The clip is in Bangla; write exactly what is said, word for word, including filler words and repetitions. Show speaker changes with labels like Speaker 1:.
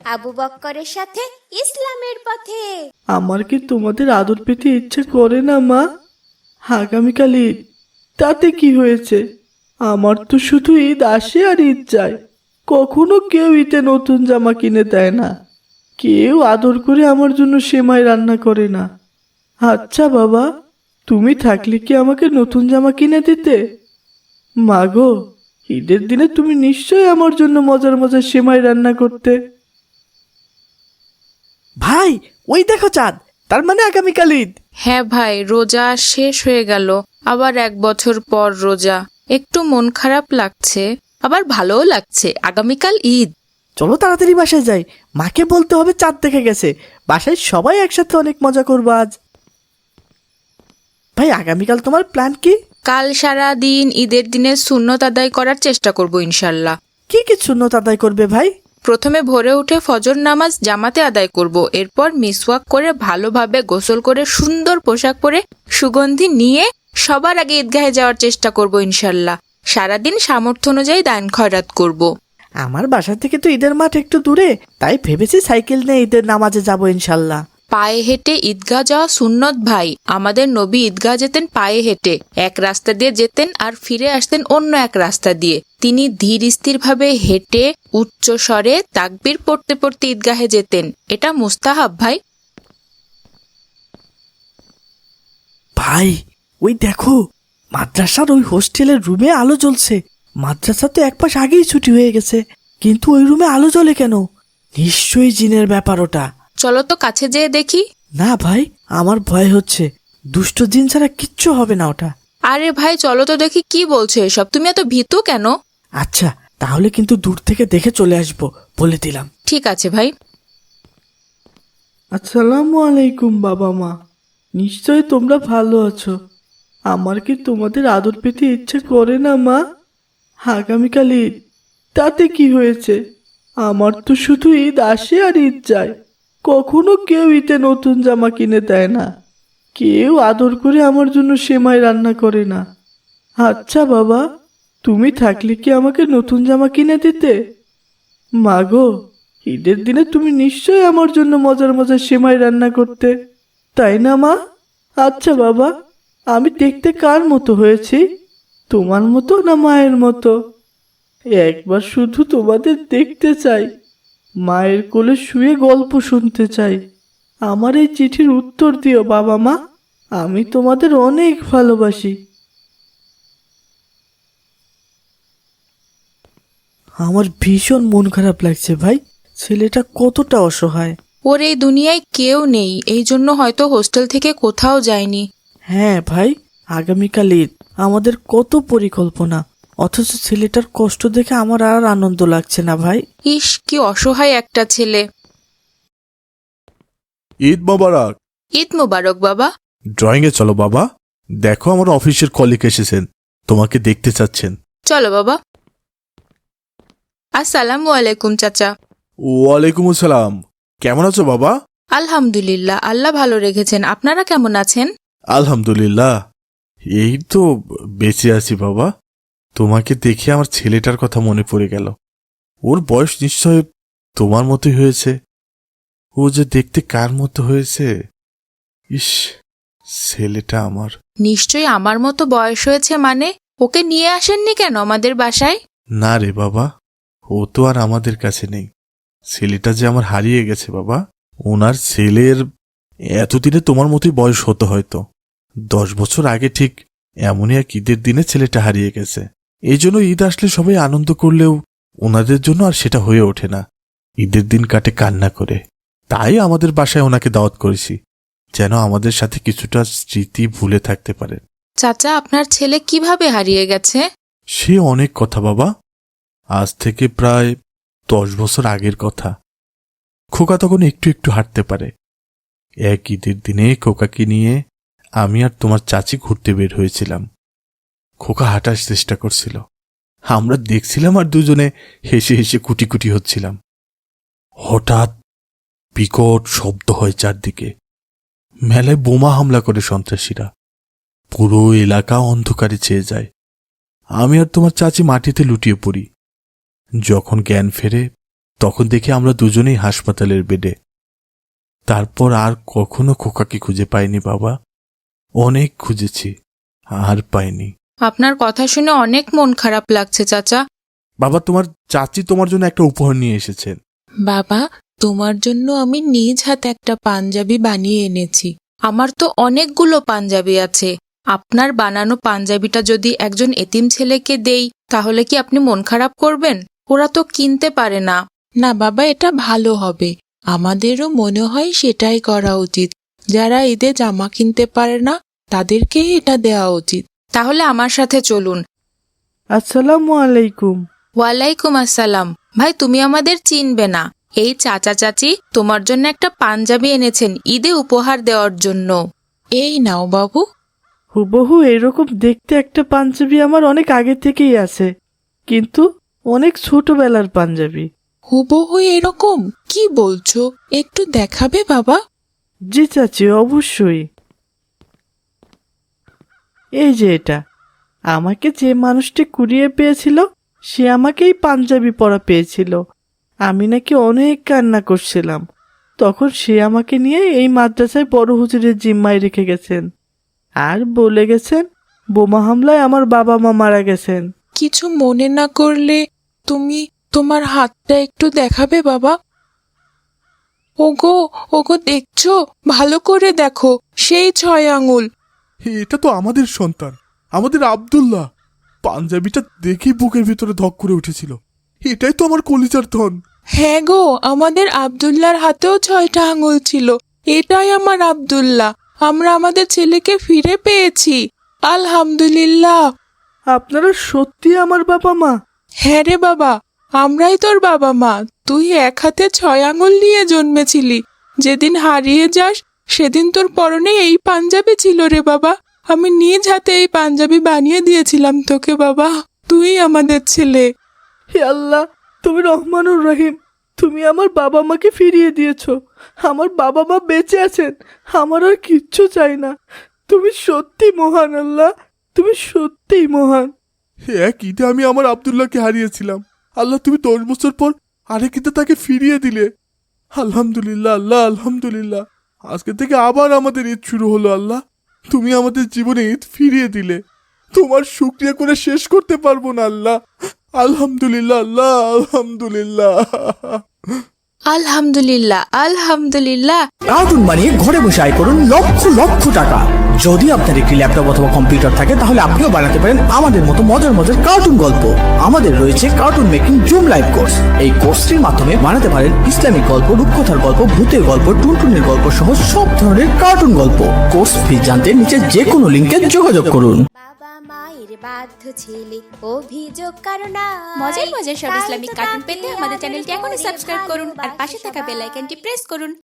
Speaker 1: আবু বক্করের সাথে ইসলামের পথে।
Speaker 2: আমার কি তোমাদের আদর পেতে ইচ্ছে করে না মা? আগামীকাল ঈদ, তাতে কি হয়েছে? আমার তো শুধু ঈদ আসে আর ঈদ যায়। কখনো কেউ ঈদে নতুন জামা কিনে দেয় না, কেউ আদর করে আমার জন্য সেমাই রান্না করে না। আচ্ছা বাবা, তুমি থাকলে কি আমাকে নতুন জামা কিনে দিতে? মা গো, ঈদের দিনে তুমি নিশ্চয়ই আমার জন্য মজার মজার সেমাই রান্না করতে। ভাই, ওই দেখো চাঁদ, তার মানে আগামীকাল ঈদ।
Speaker 3: হ্যাঁ ভাই, রোজা শেষ হয়ে গেল, আবার এক বছর পর রোজা। একটু মন খারাপ লাগছে, আবার ভালোও লাগছে। আগামীকাল ঈদ।
Speaker 2: চলো তাড়াতাড়ি বাসায় যাই, মাকে বলতে হবে চাঁদ দেখে গেছে। বাসায় সবাই একসাথে অনেক মজা করবো আজ। ভাই, আগামীকাল তোমার প্ল্যান কি?
Speaker 3: কাল সারা দিন ঈদের দিনে সুন্নত আদায় করার চেষ্টা করব ইনশাল্লাহ।
Speaker 2: কি কি সুন্নত আদায় করবে ভাই?
Speaker 3: প্রথমে ভোরে উঠে ফজর নামাজ জামাতে আদায় করব, এরপর মিসওয়াক করে ভালোভাবে গোসল করে সুন্দর পোশাক পরে সুগন্ধি নিয়ে সবার আগে ঈদগাহে যাওয়ার চেষ্টা করব ইনশাল্লাহ। সারাদিন সামর্থ্য অনুযায়ী দান খয়রাত করব।
Speaker 2: আমার বাসা থেকে তো ঈদের মাঠ একটু দূরে, তাই ভেবেছি সাইকেল নিয়ে ঈদের নামাজে যাবো ইনশাল্লাহ।
Speaker 3: পায়ে হেঁটে ঈদগাহ যাওয়া সুন্নত ভাই। আমাদের নবী ঈদগাহ যেতেন পায়ে হেঁটে, এক রাস্তা দিয়ে যেতেন আর ফিরে আসতেন অন্য এক রাস্তা দিয়ে। তিনি ধীর স্থির ভাবে হেঁটে উচ্চ স্বরে তাকবীর পড়তে পড়তে ঈদগাহে যেতেন। এটা মুস্তাহাব ভাই।
Speaker 2: ভাই, ওই দেখো, মাদ্রাসার ওই হোস্টেলের রুমে আলো জ্বলছে। মাদ্রাসা তো এক মাস আগেই ছুটি হয়ে গেছে, কিন্তু ওই রুমে আলো জ্বলে কেন? নিশ্চয়ই জিনের ব্যাপার ওটা।
Speaker 3: চলো তো কাছে যেয়ে দেখি।
Speaker 2: না ভাই, আমার ভয় হচ্ছে। দুষ্ট জিন ছাড়া কিচ্ছু হবে না ওটা।
Speaker 3: আরে ভাই চলো তো দেখি, কি বলছো এসব? তুমি এত ভীতু কেন?
Speaker 2: আচ্ছা, তাহলে কিন্তু দূর থেকে দেখে চলে আসবো, বলে দিলাম।
Speaker 3: ঠিক আছে ভাই।
Speaker 2: আসসালামু আলাইকুম বাবা মা, নিশ্চয় তোমরা ভালো আছো। আমার কি তোমাদের আদর পেতে ইচ্ছে করে না মা? আগামীকাল ঈদ, তাতে কি হয়েছে? আমার তো শুধু ঈদ আসে আর ঈদ যায়। কখনো কেউ ঈদে নতুন জামা কিনে দেয় না, কেউ আদর করে আমার জন্য সেমাই রান্না করে না। আচ্ছা বাবা, তুমি থাকলে কি আমাকে নতুন জামা কিনে দিতে? মা গো, ঈদের দিনে তুমি নিশ্চয়ই আমার জন্য মজার মজার সেমাই রান্না করতে, তাই না মা? আচ্ছা বাবা, আমি দেখতে কার মতো হয়েছি? তোমার মতো না মায়ের মতো? একবার শুধু তোমাদের দেখতে চাই, মায়ের কোলে শুয়ে গল্প শুনতে চাই। আমার এই চিঠির উত্তর দিও বাবা মা, আমি তোমাদের অনেক ভালোবাসি। আমার ভীষণ মন খারাপ লাগছে ভাই, ছেলেটা কতটা অসহায়।
Speaker 3: ওর এই দুনিয়ায় কেউ নেই, এই জন্য হয়তো হোস্টেল থেকে কোথাও যায়নি।
Speaker 2: হ্যাঁ ভাই, আগামীকাল ঈদ, আমাদের কত পরিকল্পনা, অথচ ছেলেটার কষ্ট দেখে আমার আর আনন্দ লাগছে না ভাই।
Speaker 3: ইস, কি অসহায় একটা ছেলে।
Speaker 4: ঈদ মোবারক।
Speaker 3: ঈদ মোবারক বাবা।
Speaker 4: ড্রয়িং এ চলো বাবা, দেখো আমার অফিসের কলিগ এসেছেন, তোমাকে দেখতে চাচ্ছেন।
Speaker 3: চলো বাবা। আসসালামু আলাইকুম চাচা।
Speaker 4: ওয়ালাইকুম আসসালাম। কেমন আছো বাবা?
Speaker 3: আলহামদুলিল্লাহ, আল্লাহ ভালো রেখেছেন। আপনারা কেমন আছেন?
Speaker 4: আলহামদুলিল্লাহ, এই তো বেঁচে আছি বাবা। তোমাকে দেখে আমার ছেলেটার কথা মনে পড়ে গেল। ওর বয়স নিশ্চয় তোমার মতোই হয়েছে। ও যে দেখতে কার মতো হয়েছে! ইস, ছেলেটা আমার।
Speaker 3: নিশ্চয়ই আমার মতো বয়স হয়েছে মানে? ওকে নিয়ে আসেননি কেন আমাদের বাসায়?
Speaker 4: না রে বাবা, ও তো আর আমাদের কাছে নেই। ছেলেটা যে আমার হারিয়ে গেছে বাবা। ওনার ছেলের এতদিনে তোমার মতোই বয়স হতো হয়তো। দশ বছর আগে ঠিক এমনই এক ঈদের দিনে ছেলেটা হারিয়ে গেছে। এই জন্য ঈদ আসলে সবাই আনন্দ করলেও ওনাদের জন্য আর সেটা হয়ে ওঠে না। ঈদের দিন কাটে কান্না করে। তাই আমাদের বাসায় ওনাকে দাওয়াত করেছি, যেন আমাদের সাথে কিছুটা স্মৃতি ভুলে থাকতে পারে।
Speaker 3: চাচা, আপনার ছেলে কিভাবে হারিয়ে গেছে?
Speaker 4: সে অনেক কথা বাবা, আজ থেকে প্রায় দশ বছর আগের কথা। খোকা তখন একটু একটু হাঁটতে পারে। এক ঈদের দিনে খোকাকে নিয়ে আমি আর তোমার চাচি ঘুরতে বের হয়েছিলাম। খোকা হাঁটার চেষ্টা করছিল, আমরা দেখছিলাম আর দুজনে হেসে হেসে কুটি কুটি হচ্ছিলাম। হঠাৎ বিকট শব্দ হয় চারদিকে। মেলায় বোমা হামলা করে সন্ত্রাসীরা। পুরো এলাকা অন্ধকারে ছেয়ে যায়। আমি আর তোমার চাচি মাটিতে লুটিয়ে পড়ি। যখন জ্ঞান ফেরে তখন দেখি আমরা দুজনেই হাসপাতালের বেডে। তারপর আর কখনো খোকাকে খুঁজে পাইনি বাবা, অনেক খুঁজেছি, আর পাইনি।
Speaker 3: আপনার কথা শুনে অনেক মন খারাপ লাগছে চাচা।
Speaker 4: বাবা, তোমার চাচি তোমার জন্য একটা উপহার নিয়ে এসেছেন।
Speaker 5: বাবা, তোমার জন্য আমি নিজ হাতে একটা পাঞ্জাবি বানিয়ে এনেছি।
Speaker 3: আমার তো অনেকগুলো পাঞ্জাবি আছে, আপনার বানানো পাঞ্জাবিটা যদি একজন এতিম ছেলেকে দেই তাহলে কি আপনি মন খারাপ করবেন? ওরা তো কিনতে পারে না।
Speaker 5: না বাবা, এটা ভালো হবে। আমাদেরও মনে হয় সেটাই করা উচিত। যারা ঈদে জামা কিনতে পারে না তাদেরকেই এটা দেওয়া উচিত।
Speaker 3: তাহলে আমার সাথে চলুন।
Speaker 2: আসসালামু আলাইকুম।
Speaker 3: ওয়ালাইকুম আসসালাম। ভাই, তুমি আমাদের চিনবে না, এই চাচা চাচি তোমার জন্য একটা পাঞ্জাবি এনেছেন ঈদে উপহার দেওয়ার জন্য।
Speaker 5: এই নাও বাবু।
Speaker 2: হুবহু এরকম দেখতে একটা পাঞ্জাবি আমার অনেক আগে থেকেই আছে, কিন্তু অনেক ছোটবেলার পাঞ্জাবি।
Speaker 5: হুবহু এরকম? কি বলছো, একটু দেখাবে বাবা?
Speaker 2: জি চাচি, অবশ্যই। এই যে এটা, আমাকে যে মানুষটি কুড়িয়ে পেয়েছিল সে আমাকে এই পাঞ্জাবি পরা পেয়েছিল। আমি নাকি অনেক কান্না করছিলাম, তখন সে আমাকে নিয়ে এই মাদ্রাসায় বড় হুজুরের জিম্মায় রেখে গেছেন, আর বলে গেছেন বোমা হামলায় আমার বাবা মা মারা গেছেন।
Speaker 5: কিছু মনে না করলে তুমি তোমার হাতটা একটু দেখাবে বাবা? ওগো ওগো, দেখছো? ভালো করে দেখো, সেই ছয় আঙুল।
Speaker 4: এটা তো আমাদের সন্তান, আমাদের আব্দুল্লাহ। পাঞ্জাবিটা দেখেই বুকের ভিতরে ধক করে উঠেছিল। এটাই তো আমার কলিজার ধন।
Speaker 5: হ্যাঁ গো, আমাদের আব্দুল্লাহর হাতেও ছয়টা আঙুল ছিল। এটাই আমার আব্দুল্লাহ। আমরা আমাদের ছেলেকে ফিরে পেয়েছি, আলহামদুলিল্লাহ।
Speaker 2: আপনারা সত্যি আমার বাবা মা?
Speaker 5: হ্যাঁ রে বাবা, আমরাই তোর বাবা মা। তুই এক হাতে ছয় আঙুল নিয়ে জন্মেছিলি। যেদিন হারিয়ে যাস সেদিন তোর পরনে এই পাঞ্জাবি ছিল রে বাবা। আমি নিজ হাতে এই পাঞ্জাবি বানিয়ে দিয়েছিলাম তোকে বাবা। তুই আমাদের ছেলে।
Speaker 2: হে আল্লাহ, তুমি রহমানুর রহিম। তুমি আমার বাবা মাকে ফিরিয়ে দিয়েছো। আমার বাবা মা বেঁচে আছেন, আমার আর কিচ্ছু চাই না। তুমি সত্যি মহান আল্লাহ, তুমি সত্যিই মহান।
Speaker 4: এক ঈদে আমি আমার আব্দুল্লাহকে হারিয়েছিলাম, আল্লাহ তুমি দশ বছর পর আরেক ঈদে তাকে ফিরিয়ে দিলে। আলহামদুলিল্লাহ আল্লাহ, আলহামদুলিল্লাহ। আজকে থেকে আবার আমাদের ঈদ শুরু হলো আল্লাহ। তুমি আমাদের জীবনে ঈদ ফিরিয়ে দিলে, তোমার শুকরিয়া করে শেষ করতে পারবো না আল্লাহ। আলহামদুলিল্লাহ আল্লাহ, আলহামদুলিল্লাহ।
Speaker 3: আলহামদুলিল্লাহ আলহামদুলিল্লাহ।
Speaker 6: কার্টুন বানিয়ে ঘরে বসে আয় করুন লক্ষ লক্ষ টাকা। যদি আপনার একটি ল্যাপটপ অথবা কম্পিউটার থাকে তাহলে আপনিও বানাতে পারেন আমাদের মতো মজার মজার কার্টুন গল্প। আমাদের রয়েছে cartoon making zoom live course. এই কোর্সটির মাধ্যমে বানাতে পারেন ইসলামিক গল্প, রূপকথার গল্প, ভূতের গল্প, টুনটুনের গল্প সহ সব ধরনের কার্টুন গল্প। কোর্স ফি জানতে নিচে যে কোনো লিঙ্কে যোগাযোগ করুন।
Speaker 1: বাবা মায়ের বাধ্য ছেলে অভিযোগ কারণ
Speaker 7: মজার মজার সব ইসলামিক কার্টুন পেতে আমাদের চ্যানেলটি এখনই সাবস্ক্রাইব করুন আর পাশে থাকা বেল আইকনটি প্রেস করুন।